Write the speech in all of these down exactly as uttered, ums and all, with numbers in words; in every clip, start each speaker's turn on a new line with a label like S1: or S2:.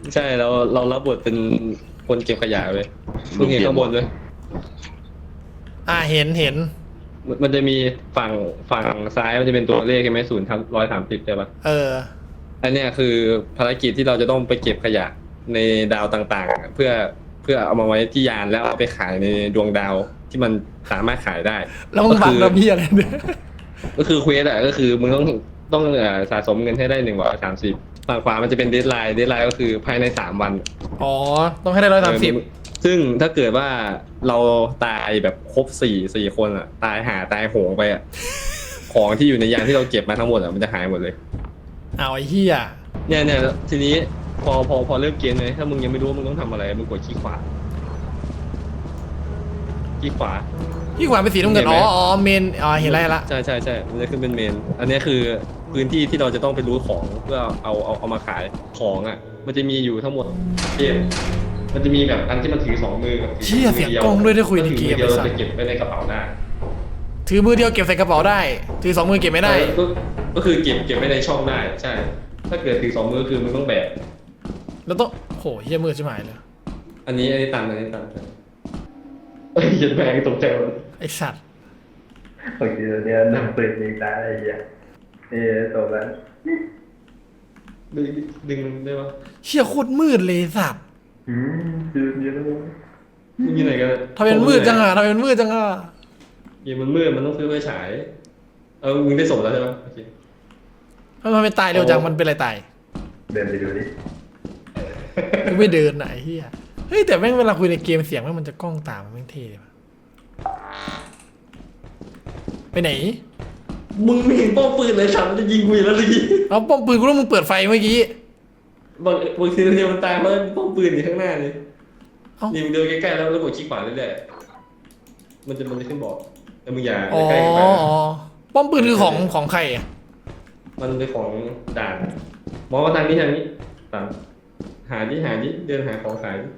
S1: ใช่เราเรารับบทเป็นคนเก็บขยะเลยมึงเห็นข้างบนเลย
S2: อ่าเห็นเห็น
S1: มันมันจะมีฝั่งฝั่งซ้ายมันจะเป็นตัวเลขใช่ไหมศูนย์ทับร้อยสามสิบใช่ปะ
S2: เออ
S1: อันเนี้ยคือภารกิจที่เราจะต้องไปเก็บขยะในดาวต่างๆอะเพื่อเพื่อเอามาไว้ที่ยานแล้วเอาไปขายในดวงดาวที่มันสามารถขายได้
S2: แล้วมึงบังระเบียอะไรเนี่ย
S1: ก็คือเควสอะก็คือมึงต้องต้องเอ่อสะสมเงินให้ได้หนึ่งร้อยสามสิบฝั่งขวามันจะเป็นเดดไลน์เดดไลน์ก็คือภายในสามวัน
S2: อ๋อต้องให้ได้ร้อยสามสิบ
S1: เออซึ่งถ้าเกิดว่าเราตายแบบครบสี่สี่คนอะตายหาตายโหงไปอะของที่อยู่ในยานที่เราเก็บมาทั้งหมดอะมันจะหายหมดเลย
S2: เอาไอ้เหี้ย
S1: เนี่ยเนี่ยทีนี้พอพอพอเริ่มเกมเลยถ้ามึงยังไม่รู้ว่ามึงต้องทำอะไรมึงกดขี้ขวาขี้ขวา
S2: พี่ขวานเป็นสีน้ำเงินอ๋ออ๋อเมนอ๋อเห็นไรละ
S1: ใช่ใช่ใช่มันจะขึ้นเป็นเมนอันนี้คือพื้นที่ที่เราจะต้องไปรู้ของเพื่อเอาเอาเอามาขายของอ่ะมันจะมีอยู่ทั้งหมดเกมมันจะมีแบบอันที่มันถือสองมือกับถื
S2: เชี่ยเสียงกล้องด้วยได้คุยในเกม
S1: เดียว
S2: ไอ้
S1: เรา
S2: สัส
S1: จะเก็บไว้ในกระเป๋าได้
S2: ถือมือเดียวเก็บใส่กระเป๋าได้ถือสองมือเก็บไม่ได้
S1: ก็ก็คือเก็บเก็บไว้ในช่องได้ใช่ ถ้าเกิดถือสองมือคือมึงต้องแบก
S2: แล้วต้องโหเหี้ยมือใช่ไหมเลย
S1: อันนี้อันนี้ตันอันนี้ตันเอ้ยยันแบกตกใจหมด
S2: ไอ้สัตว์
S3: บางทีเราเนี่ยนำปืนยิงตายอะไรอย่างเงี้ยนี่ตกแล้ว
S1: ดึงดึงได้ปะ
S2: เชี่ยโคตรมืดเลยสัตว์
S3: อืมยืนยืนแล้ว
S1: มึงอยู่ไหนกัน
S2: ทำไมมันมืดจังอ่ะทำไมมันมืดจังอ่ะ
S1: เกมมันมืดมันต้องซื้อไฟฉายเออมึงได้ส่งแล้วใช่ปะโอเค
S2: ทำไมมันตายเร็วจังมันเป็นอะไรตาย
S3: เดินไปดูดิ
S2: กูไม่เดินไหนเฮียเฮ้ยแต่แม่งเวลาคุยในเกมเสียงแม่งมันจะกล้องตามมันแม่งเท่เลยว่ะไปไหน
S1: มึงไม่เห็นป้อมปืนเลยฉันจะยิงกูอยู่แล้วสิ
S2: เอาป้อมปืนกูรู้มึงเปิดไฟเมื่อกี้
S1: บางบางทีเดียวมันตายเพราะป้อมปืนอยู่ข้างหน้านี่
S2: เอ้า
S1: นี่มึงเดินใกล้ๆแล้วแล้วกดคลิกขวาเรื่อยๆมันจะมันจะขึ้นบอกแต่มึงอย่า
S2: อ๋อ
S1: ใกล้ๆไป
S2: อ๋อ
S1: นะ
S2: ป้อมปืนคือของของใครอ่ะ
S1: มันเป็นของด่านมองว่าทางนี้ทางนี้ตามหาดิหาดิเดินหาของขายดิ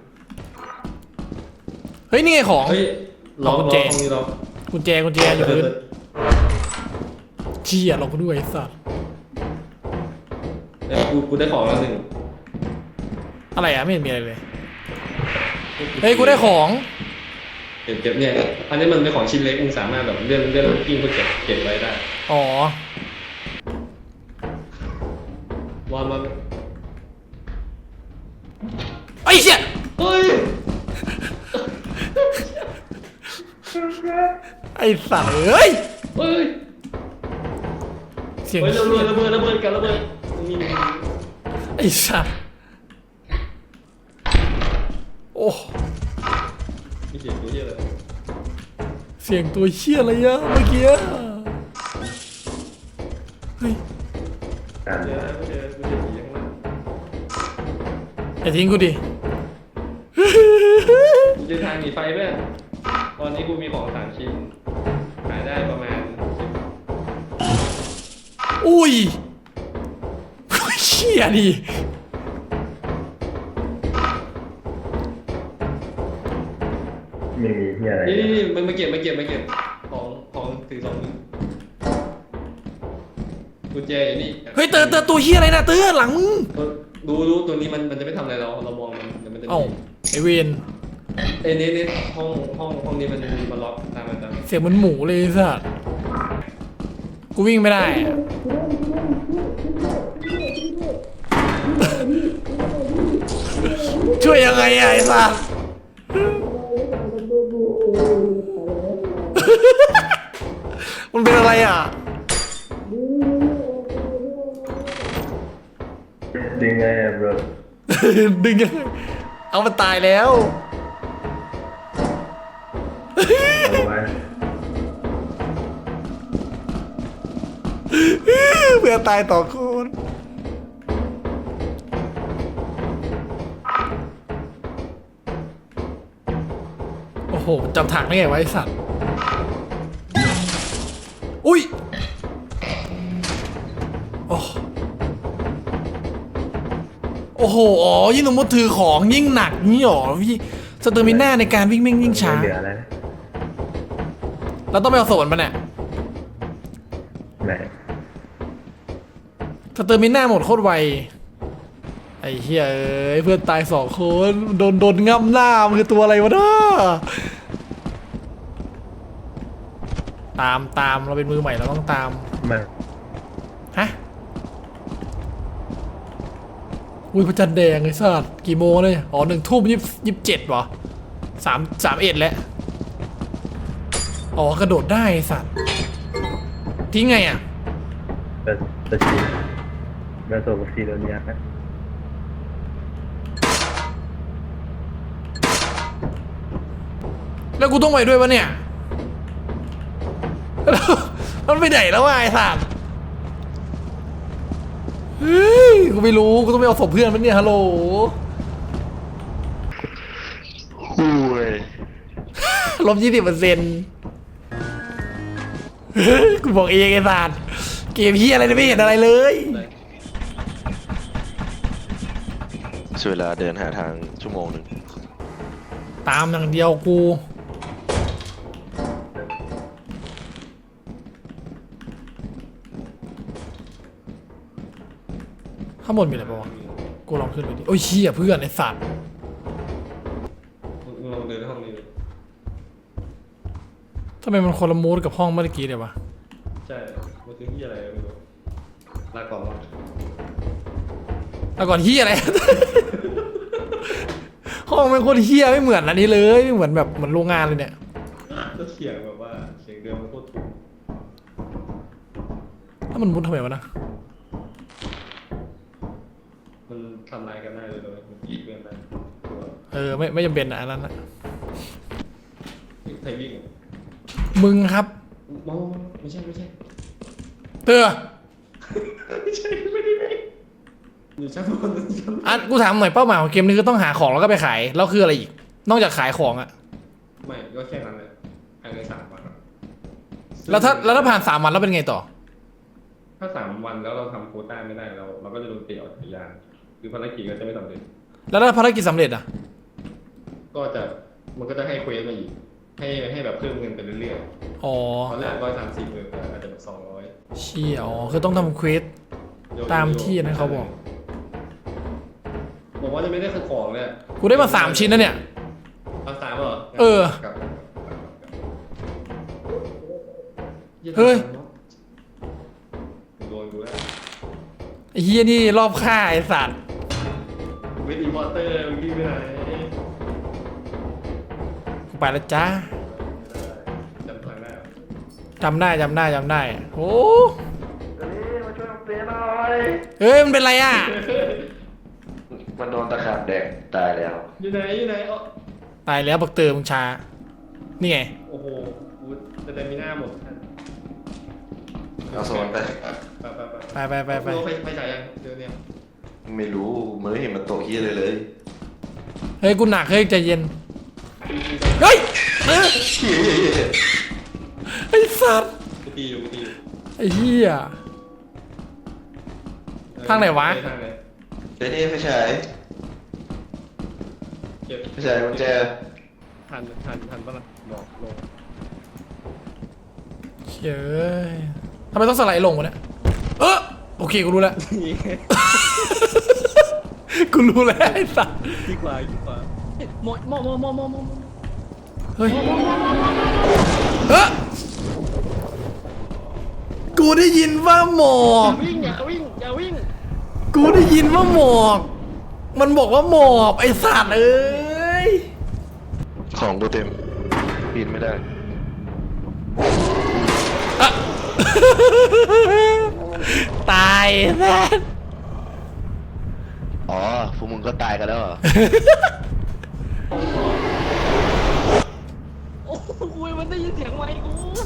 S2: เฮ้ยนี่ไงของ
S1: เฮ้ยล็อก
S2: กุญ
S1: ล็
S2: แจ
S1: อกห้องนี้ล็อก
S2: กุญแจกุญแจอยู่พื้นเชี่ยเราก็ด้วยไอ้สัตว์
S1: เออกูกูได้ของแล้วหนึ่ง
S2: อะไรอ่ะไม่เห็นมีอะไรเลยเฮ้ยกูได้ของ
S1: เก็บเก็บเนี่ยอันนี้มันเป็นของชิ้นเล็กมึงสามารถแบบเลื่อนเลื่อนกิ้งเพื่อเก็บเก็บไว้ได้
S2: อ๋อ
S1: วางมา
S2: ไอ้เชี่ย
S1: เฮ้ย
S2: ไอ้สัตว์เอ้ย
S1: เฮ้ย
S2: เสียง
S1: เฮ้ยระ
S2: เหี้
S1: เบิ
S2: ย
S1: ดระเบิดระเบิดกันระเบิดนี่นี่
S2: ไอ้สัตว์โอ้
S1: มีเสียงตัวเหี้ยอะไร
S2: เสียงตัวเชี่ยอะไรอะเมื่อกี้อะเฮ้ย
S3: การ
S1: เดี๋ยวนะกูเจอกูเจอผีข้างล่าง
S2: อย่าทิ้งกูดิ
S1: กูเจอทางหนีไฟแม่ตอนนี้กูมีของสามชิ้นขายได้ประมาณสิบ
S2: อุ้ยเชี่ยดิ
S3: ไม่มีที่อะไร
S1: นี่นี่นี่มันมาเก็บมาเก็บมาเก็บของของถือสองมือกุญแจอยู่นี่
S2: เฮ้ยเตอเตอตัวเชี่ยอะไรนะเตอหลังมึง
S1: ดูดูตัวนี้มันมันจะไม่ทำอะไรเราเรามองมันเดี๋ยวมันจะหนี
S2: เอ้าไอเวน
S1: เอ้ยนี่นี่ห้องห้องห้องนี้มันมันล็อกตามมันตาม
S2: เสียงเหมันหมูเลยไอ้สัตว์กูวิ่งไม่ได้อะช่วยยังไงอะไอ้สัตว์มันเป็นอะไรอ่ะ
S3: ดึงไงอะบร
S2: ดึงยังไงเอามันตายแล้ว
S3: เอาไว้
S2: เพื่อตายต่อคน โอ้โหจำถังได้ไงวะไอสัตว์ อุ้ยโอ้โอ้โห อ๋อ ยิ่งสมมติถือของยิ่งหนักนี่หรอพี่สเตอร์มิน่าในการวิ่งแม่งยิ่งช้า
S3: ไม่เหลืออะไรนะ
S2: เราต้องไปเอาโซนมันเนี่ย
S3: ไหน
S2: สเตอร์มิน่าหมดโคตรไวไอ้เหี้ยเอ้ยเพื่อนตายสองคนโดนโดนง่ำหน้ามันคือตัวอะไรวะน้าตามตามเราเป็นมือใหม่เราต้องตาม
S3: มา
S2: ฮะอุ้ยพระจันทร์แดงไอ้สัตว์กี่โมงเลยอ๋อหนึ่งทุ่มยี่สิบเจ็ดวะสามสามเอ็ดแล้วอ๋อกระโดดได้ไอ้สัตว์ทิ้งไงอ่ะ
S3: แต่แต่ชีแล้วตัวกับซีโดเนียนะ
S2: แล้วกูต้องไปด้วยปะเนี่ย มันไปไหนแล้ววะไอ้สัตว์เฮ้ยกูไม่รู้กูต้องไปเอาศพเพื่อนมันเนี่ยฮัลโหล
S4: อุ้ย
S2: ลบยี่สิบเปอร์เซ็นต์กูบอกเองไอ้สัตว์เกมพี่อะไรเนี่ยไม่เห็นอะไรเลย
S4: ใช้เวลาเดินหาทางชั่วโมงหนึ่ง
S2: ตามอย่างเดียวกูข้างบนมีอะไรปะวะกูลองขึ้นไปดิโอ้ยเชี่ยเพื่อนไอ้สัตว์
S1: มึงลองเดินห้องนี้ดิ
S2: ทำไมมันคนละมูดกับห้องเมื่อกี้เลยวะ
S1: ใช่มันคือที่อะไรไม่รู้ลาก่อนวะ
S2: แล้วก่อนเฮียอะไร ห้องมันโคตรเฮียไม่เหมือนอันนี้เลยไม่เหมือนแบบเหมือนโรงงานเลยเนี่ย
S1: ก็เสียงแบบว่าเสียงเดิมมันโคตรถูก
S2: แล้วมันมุดทำไมวะนะ
S1: มันทำลายกันได้เลยเลยมันกีดกันได้ตัว
S2: เออไม่ไม่จำเป็นอะอันนั้นนะ
S1: ใครวิ่งอะ
S2: มึงครับ
S1: มองไม่ใช่ไม่ใช่
S2: เตือ
S1: ไม่ใช่ไม่ได้วิ่งอยู่ชั้นบนชั้น
S2: อ่ะกูถามหน่อยเป้าหมายของเกมนี้คือต้องหาของแล้วก็ไปขายแล้วคืออะไรอีก นอกจากขายของอะ
S1: ไม่ก็แค่นั้นเลยภายในสามวันอะ
S2: แล้วถ้าแล้วถ้าผ่านสามวันแล้วเป็นไงต่อ
S1: ถ้าสามวันแล้วเราทำโควต้าไม่ได้เราเราก็จะโดนเตะออกจากยานคือภารกิจก็จะไม่สำเร็จ
S2: แล้วถ้าภารกิจสำเร็จอะ
S1: ก็จะมันก็จะให้เควสมาอีกให้ให้แบบเพิ่มเงินไปเรื่อย
S2: อ๋อ
S1: ๆตอนแรกร้อยสามสิบเอออาจจะแบบสองร้อย
S2: เชี่ยอ๋อคือต้องทำเควส ตามที่นะเขาบอก
S1: บอกว่าจะไม่ได้คือของเลย
S2: กูได้มาสามชิ้นนะเนี่ย
S1: เอาสามเหรอ
S2: เออ
S1: กลับกลับกลับกลับ
S2: เฮ้ย
S1: โดนกูแล้ว
S2: ไอ้เฮียนี่รอบฆ่าไอ้สัตว์
S1: วิดีพอเตอร์มึงวิ่งไปไหน
S2: กูไปแล้วจ้า
S1: จำทางได้เหรอ
S2: จำได้จำได้จำได้โอ้
S3: เฮ้ยมาช่วยเตะหน่อย
S2: เฮ้ยมันเป็นไรอะ
S4: มันโดนตะขาบแดกตายแล้ว
S1: อยู่ไหนอยู่ไหนอ๋อ
S2: ตายแล้วบักเตอร์มึงช้านี่ไง
S1: โอ้โหกูจะได้มีหน้าหมด
S4: เอาโซนไป
S1: ไปไปไป
S2: ไปไปไปไป
S1: ไปไปจ่ายยังเดี๋ยวเนี่ย
S4: ไม่รู้มันไม่เห็นมันโตะเฮียเลยเลย
S2: เฮ้ยกูหนักเฮ้ยใจเย็นเฮ้ยเอ้ย
S4: เฮียเฮียเฮีย
S2: ไอ้สัตว์
S1: กูตีอยู่กูตีอยู่
S2: ไอ้เหี้ย ทางไหนวะ
S1: ทางไหน
S4: เดี๋ยวนี้ไม่ใช่
S1: เก็บ
S4: ไม่ใช่มันแจ
S1: ทันทันทันปะล่ะบอกลง
S2: เฮ้ยทำไมต้องสไลด์ลงวะเนี่ยเออโอเคกูรู้แล้ว กูรู้แล้วไอ้สัตว์
S1: ดีกว่าดีกว่าหมดหมดหมดหมดหมดหมด
S2: เฮ้ยเออกูได้ยินว่าหมอก
S1: วิ่งอย่าวิ่งอย่าวิ่ง
S2: กูได้ยินว่าหมอก มันบอกว่าหมอบไอ้สัตว์เอ้ย
S4: ของกูเต็มปีนไม่ได้
S2: อะ ตายแซ่บ
S4: อ๋อพวกมึงก็ตายกันแล้วเหรอ
S1: โอ้โหมันได้ยินเสียงไมค์กู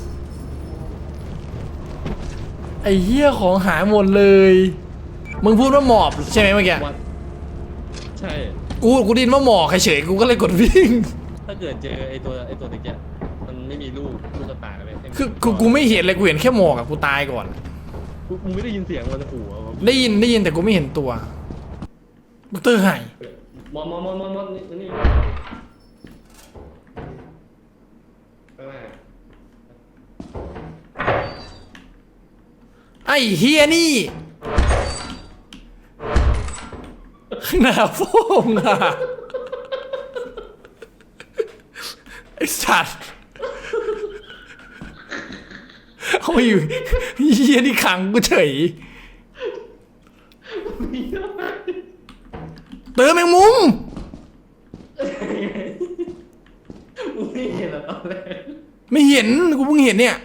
S2: ไอ้เหี้ยของหายหมดเลย มึงพูดว่าหมอบใช่ไหมเมื่อกี้
S1: ใช่
S2: กูกูไดยินว่าหมอกเฉยๆกูก็เลยกดวิ่ง
S1: ถ้าเกิดเจอไอตัวไอตัวตะเกียบมันไม่มีลูกลูกกระต่ายเลย
S2: คือกูกูไม่เห็นเลยกูเห็นแค่หมอกอะกูตายก่อน
S1: กูมึงไม่ได้ยินเสียงมันขู่อะ
S2: ได้ยินได้ยินแต่กูไม่เห็นตัวบักเตอร์หาย
S1: มอนมอนมอนมอนมอนนี่นี่ไปไหน
S2: ไอ้เฮียนี่ข้างหน้าโฟงอ่ะไอ้สัตว์เอามาอยู่เฮียนี่ขังกูเฉยเติมแมงมุม
S1: มึงไม่เห็นเหรอตอนแรก
S2: ไม่เห็นกูเพิ่งเห็นเนี่ย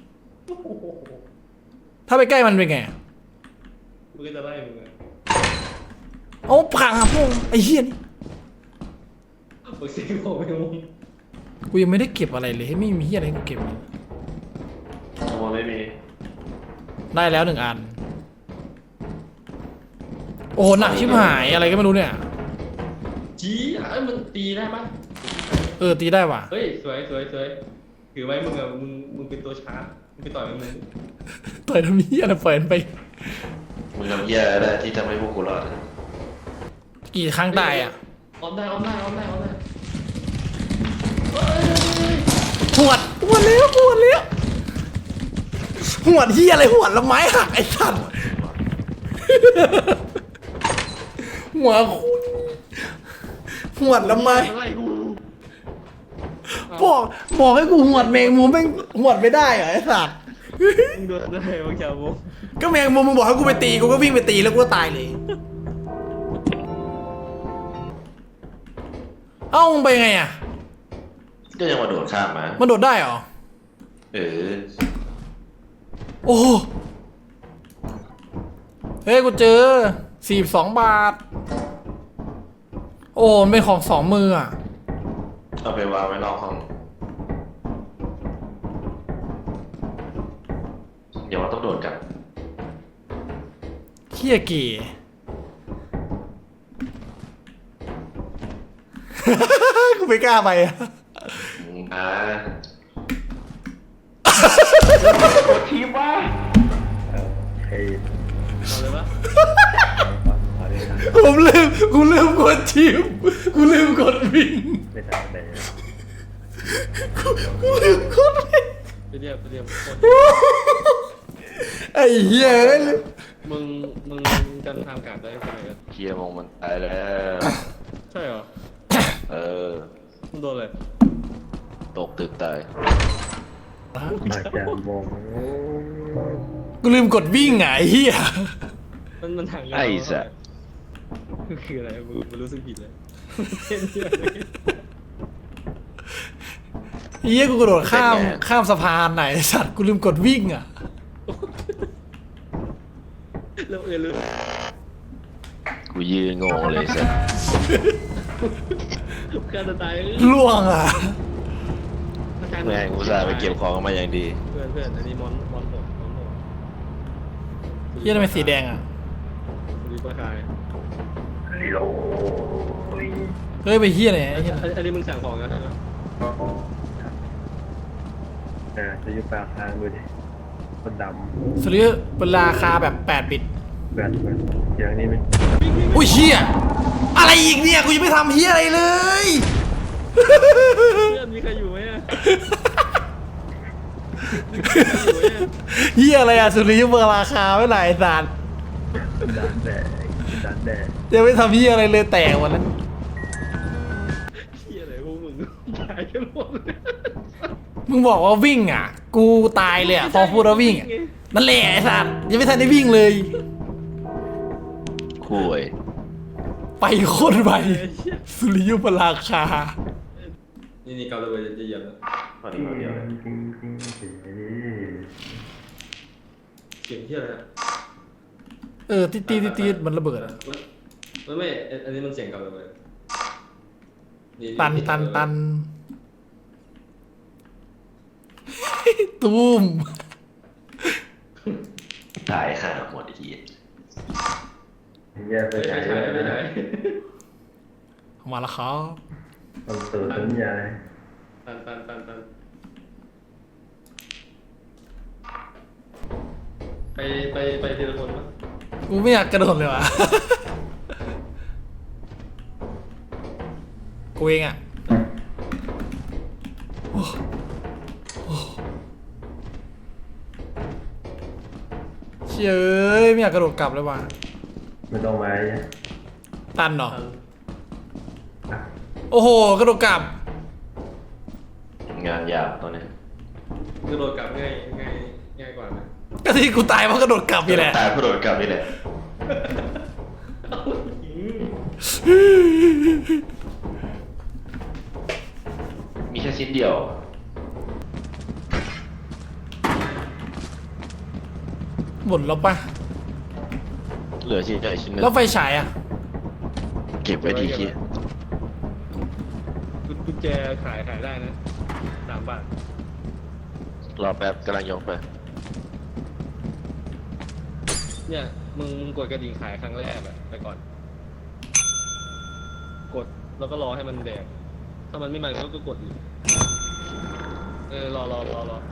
S2: ถ้าไปใกล้มันเป็นไง
S1: มึงก็จะไล่มึงอ่ะ
S2: โอ้พังอ่ะพวกไอ้เหี้ยนี่
S1: มึงซีโร่ไปมึง
S2: กูยังไม่ได้เก็บอะไรเลยไม่มีเหี้ยอะไรให้กูเก็บเลย
S4: ขโมยไม่มี
S2: ได้แล้วหนึ่งอัน โอ้โหหนักชิบหายอะไรก็ไม่รู้เนี่ย
S1: จี้เอ้ยมันตีได้ปะ
S2: เออตีได้ว่ะ
S1: เฮ้ยสวยสวยสวยถือไว้มึงอ่ะมึงมึงเป็นตัวชาร์จมึงไปต่อยมึง
S2: ต่อยทำเหี้ยอะไรปล่อยมันไป
S4: มึงทำแย่ได้ที่ทำให้พวกกูรอด
S2: กี่ครั้งตายอ่ะ
S1: ออมได้ออมได้ออมได้ออมได้
S2: หวดหวดเลี้ยวหวดเลี้ยวหวดเหี้ยอะไรหวดแล้วไม้หักไอ้สัตว์หัวคุณหวดแล้วไม้
S1: อะไรกู
S2: บอกบอกให้กูหวดแมงมุมแม่งหวดไม่ได้เหรอไอ้สัตว์
S1: มึงโดนได้บางชาวโม
S2: ก็แมงมุมมึงบอกให้กูไปตีกูก็วิ่งไปตีแล้วกูก็ตายเลย เอ้ามึงไปไงอ่ะ
S4: ก็ยังมาโดดข้ามมา
S2: มันโดดได้เหรอ
S4: เออ
S2: โอ้เฮ้ยกูเจอสี่สิบสองบาท โอ้มันเป็นของสองมืออ่ะ
S4: เอาไปวางไว้นอกห้องเดี๋ยวเราต้องโดดกลับ
S2: เขี้ยเก๋ กูไม่กล้าไปอ่ะ
S4: อ่า
S3: ทีมวะเฮ้ย
S1: เอาเลยปะ
S3: เอาเลยนะ
S2: ผมลืมกูลืมกดชิปกูลืมกดวิ่ง
S3: ไม่ทันเลย
S2: กูกูลืมกดวิ่ง
S1: ไปเรียบไปเรียบโคตร
S2: ไอ้เหี้ยเอ้ย
S1: มึงมึงจำทางการได้ใช่ไหมครับ
S4: เคียร์มองมันตายแล้ว
S1: ใช่เหรอ
S4: เออ
S1: มึงโดนอะไร
S4: ตกตึกตาย
S3: มาจากมอง
S2: กูลืมกดวิ่งไงไอ้เหี้ย
S1: มันมันทาง
S4: ไอ้สัส
S1: คืออะไรมึงมันรู้สึกผิดเลยเต้นเยอะเลย
S2: ไอ้เหี้ยกูกระโดดข้ามข้ามสะพานไหนไอ้สัตว์กูลืมกดวิ่งอ่ะ
S1: แล้วเออลืม
S4: กูยืนงงเลยสัส
S1: การจะตายเออ
S2: ล่วงอ่ะ
S4: แม่งกูอุตส่าห์ไปเก็บของมาอย่างดี
S1: เพื่อนเพื่อนอันนี้มอนมอนโหดมอนโหด
S2: เหี้ยทำไมสีแดงอ่ะ
S1: ดีประกาย
S3: ลิโล
S2: เฮ้ยไปเหี้ยไหนไอ้เหี้ย
S1: อันอันนี้มึงสั่งของกันใช่ไหม
S3: อ่าจะอยู่ปากทางดูดิคนด
S2: สุริยเป็นราคาแบบแปดบิต
S3: ำแบบแบบอย่างนี้มัน
S2: อุ้ยเหี้ยอะไรอีกเนี่ยกูยังไม่ทำเหี้ยอะไรเลย
S1: เพื่อนมีใครอยู่ไหมอะมีใครอยู่ไหมอะ
S2: เหี้ยอะไรอ่ะสุริยเป็นราคาไม่ไหนไอ้สัตว์
S3: ดันแดดดันแดด
S2: ยังไม่ทำเหี้ยอะไรเลยแตกหมดแล้ว
S1: เหี้ยอะไรพวกมึงตายกันหมดเลย
S2: มึงบอกว่าวิ่งอ่ะ กูตายเลยอ่ะพอพูดว่าวิ่งอะนั่นแหละไอ้สัตว์ยังไม่ทันได้วิ่งเลย
S4: คุย
S2: ไปโคตรไปสุริยุปราคา
S1: นี่นี่เกาเลยจะเหยียบแล้ว
S4: ตอนนี้คนเดียวเลย
S3: จริงจริงจริง
S1: เสียงเหี้ยอะไรอะ
S2: เออตีตีตีตีมันระเบิดอ่ะ
S1: มันมันไม่อันอันนี้มันเสียงเกาเลยนี่
S2: ตันตันตันตูม
S4: ตายห่าหมดไอ้เหี้ย
S3: แย่ไป
S1: ไม่
S3: ไหน
S1: ใช่ไม่ใช่
S2: มาแล้วครับ
S3: ต้องตื่นสัญญา
S1: ตันตันตันตันไปไปไปทีละคนปะ
S2: กูไม่อยากกระโดดเลยว่ะ กูเองอ่ะโอ้โอ้เชยเอ้ยไม่อยากกระโดดกลับเลยว่ะ
S3: ไม่ต้องมาเนี่ย
S2: ตันเหรอโอ้โหกระโดดกลับ
S4: งานยากตอนนี้
S1: กระโดดกลับง่ายง่ายง่ายกว่าไหม
S2: ก็ที่กูตายเพราะกระโดดกลับนี่แหละ
S4: ตายเพราะโดดกลับนี่แหละมีแค่ชิ้นเดียว
S2: หมดแล้วปะ
S4: เหลือชิ้นใหญ่ชิ้นหนึง
S2: แล้วไฟฉายอ่ะ
S4: เก็บไว้ดีคิด
S1: กุญแจขายขายได้นะสามบาท
S4: รอแป๊บกำลังยกไป
S1: เนี่ยมึงมึงกดกระดิ่งขายครั้งแรกอะไปก่อน กดแล้วก็รอให้มันแดงถ้ามันไม่มาก็กดอีกเออรอรอรอรอ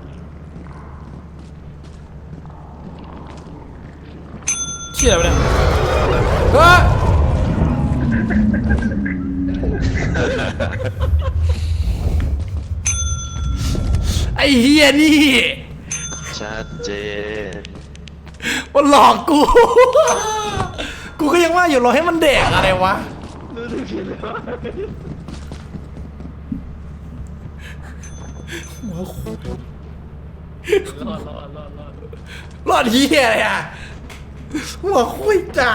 S2: เชี่ยอะไรวะเนี่ยเฮ้ยไอ้เฮียนี่
S4: ชัดเจน
S2: มันหลอกกู กูก็ยังว่าอยู่รอให้มันแดกอะไรวะ
S1: รู้สึกผิดแล้ว
S2: หัวโขก
S1: รอดรอดรอดรอด
S2: รอดเฮียอะไรอ่ะหัวคุยจัด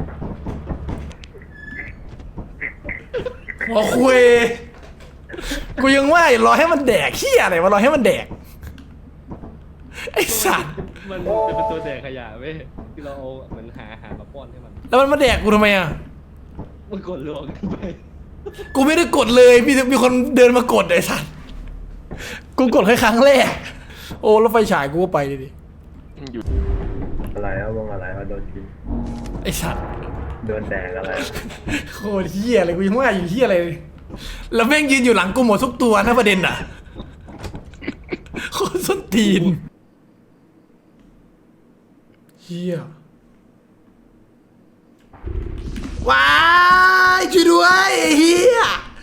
S2: หัวคุยกูยังว่าอยู่รอให้มันแดกเฮียอะไรวะรอให้มันแดกไอ้สัตว์
S1: มันจะเป็นตัวแดกขยะเว้ยที่เราเอาเหมือนหาอาหารมาป้อนให้มัน
S2: แล้วมันมาแดกกูทำไมอ่ะ
S1: มันกดลวงกันไป
S2: กูไม่ได้กดเลยมีมีคนเดินมากดไอ้สัตว์กูกดแค่ครั้งแรกโอ้แล้วไฟฉายกูก็ไปดิ
S4: อยู่
S3: อะไรวะวงอะไรวะโดนกิน
S2: ไอ้สัตว์
S3: โดนแดงอะไร
S2: โคตรเฮียเลยกูยังว่าอยู่เฮียอะไรเลยแล้วแม่งยืนอยู่หลังกูหมดทุกตัวนะประเด็นอ่ะโคตรส้นตีนเฮียว้ายช่วยด้วยไอ้เฮีย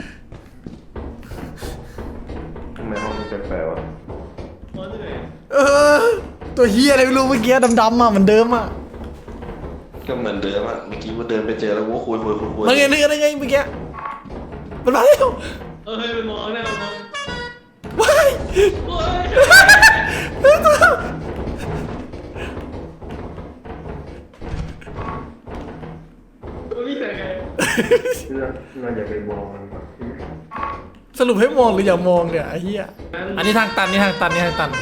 S4: ทำไมห้องนี้แปลกๆวะ
S1: ป้อนที่ไหน
S2: เออตัวเฮียอะไรไม่รู้เมื่อกี้ดำๆอ่ะเหมือนเดิมอ่ะ
S4: ก็เหมือนเดิมอะเมื่อกี้ว่าเดินไปเจอแล้วว่าคุยคุยคุยคุย
S2: มันไงนึกอะไรไงเมื่อกี้มันมาแล้ว
S1: เออเฮ้ยมันมองหน้ามันมอง
S2: ว้าย
S1: โอ้ยมันวิ่งแต่ไง
S3: เราเราอย่าไปมองมันก่อน
S2: สรุปให้มองหรืออย่ามองเนี่ยไอ้เหี้ยอันนี้ทางตันนี่ทางตันนี่ทางตัน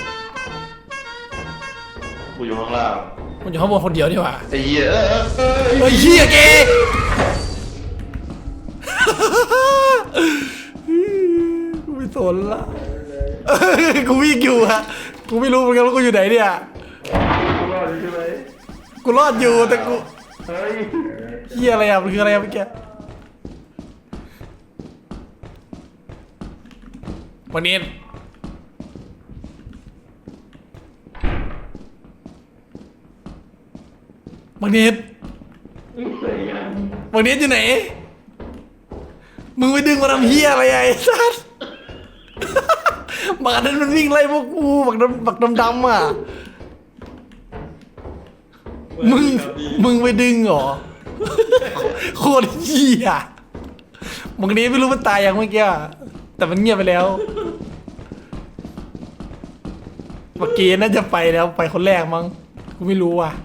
S4: กูอยู่ข้างล่าง
S2: มันอยู่ข้างบนคนเดียวนี่หว่า
S4: ไอ้เหี้ยเออเออเออ
S2: เฮ้ยเหี้ยเกกูไม่สนละกูวิ่งอยู่ฮะกูไม่รู้เหมือนกันว่ากูอยู่ไหนเนี่ย
S3: กูรอดใช่ไหม
S2: กูรอดอยู่แต่กู
S3: เฮ้ย
S2: เหี้ยอะไรอ่ะมันคืออะไรอ่ะเมื่อกี้วันนี้บางนิดบางนิดอยู่ไหน มึงไปดึงมาทำเฮียอะไรไอ้สัสบักอันนั้นมันวิ่งไล่พวกกูบักดำบักดำดำอ่ะ มึง มึงไปดึงเหรอ โคตรเฮียบางนิดไม่รู้มันตายยังเมื่อกี้อะแต่มันเงียบไปแล้ว เมื่อกี้น่าจะไปแล้วไปคนแรกมั้ง กูไม่รู้ว่ะ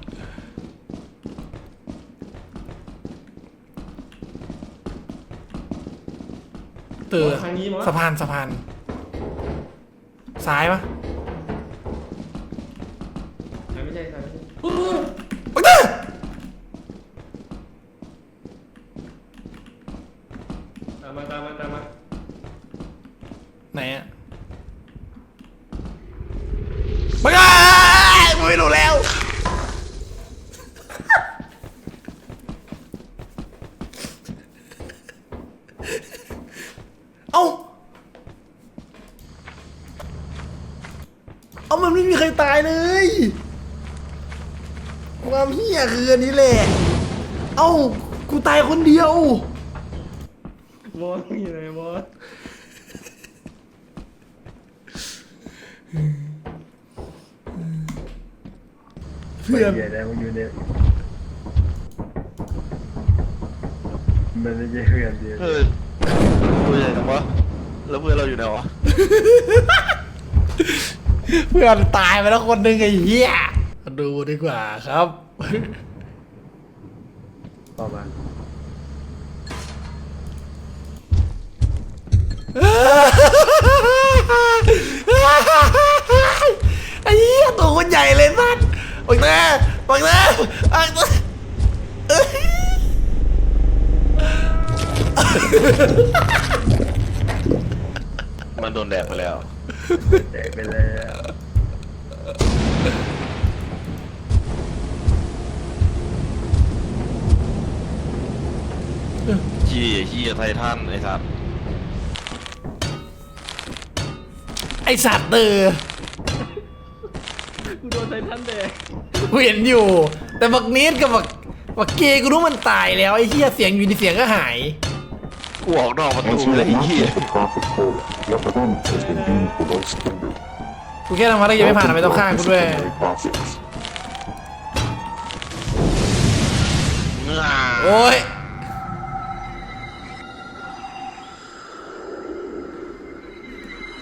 S2: เตือสะพานสะพาน ซ้ายปะ
S1: ไม่ใช่ใช่ไม่ใช่
S2: ปักเตอร์
S1: ตามมาตามมาตามมา
S2: ไหนอะปักเตอร์กูไม่รู้แล้ว เอ้า เอามันไม่มีใครตายเลยความเฮี้ยคืออันนี้แหละ เอ้า กูตายคนเดียว
S1: บอสอยู่ไหนบอส
S2: เพื่อน
S3: เหี้ยได้มันอยู่ในมันไม่ใช่เพื่อนเดียว
S4: เออตัวใหญ่จังวะแล้วเพื่อนเราอยู่ไหนวะ
S2: เพื่อนตายไปแล้วคนหนึ่งไอ้เหี้ยมาดูดีกว่าครับ
S3: ต่อมา
S2: ไอ้เหี้ยตัวคนใหญ่เลยสัสปักเต้ปักเต้ปักเต้เอ้ย
S4: มันโดนแดดไปแล้ว
S3: แจกไปแล้ว
S4: ขี้ขี้ไททันไอ้สัตว์
S2: ไอสัตว์เตอ
S1: กูโดนไททันแดง
S2: กูเห็นอยู่ แต่บักเนสกับบักบักเกย์กูรู้มันตายแล้วไอ้เหี้ยเสียงอยู่ในเสียงก็หาย
S4: กูออกนอกประตูเลยไอ้เหี้ย
S5: Your event has been deemed below standard.
S2: กูแค่ทำภารกิจไม่ผ่านทำไมต้องฆ่ากูด้วย
S5: Disciplinary process.
S4: ง่า
S2: โอ้ย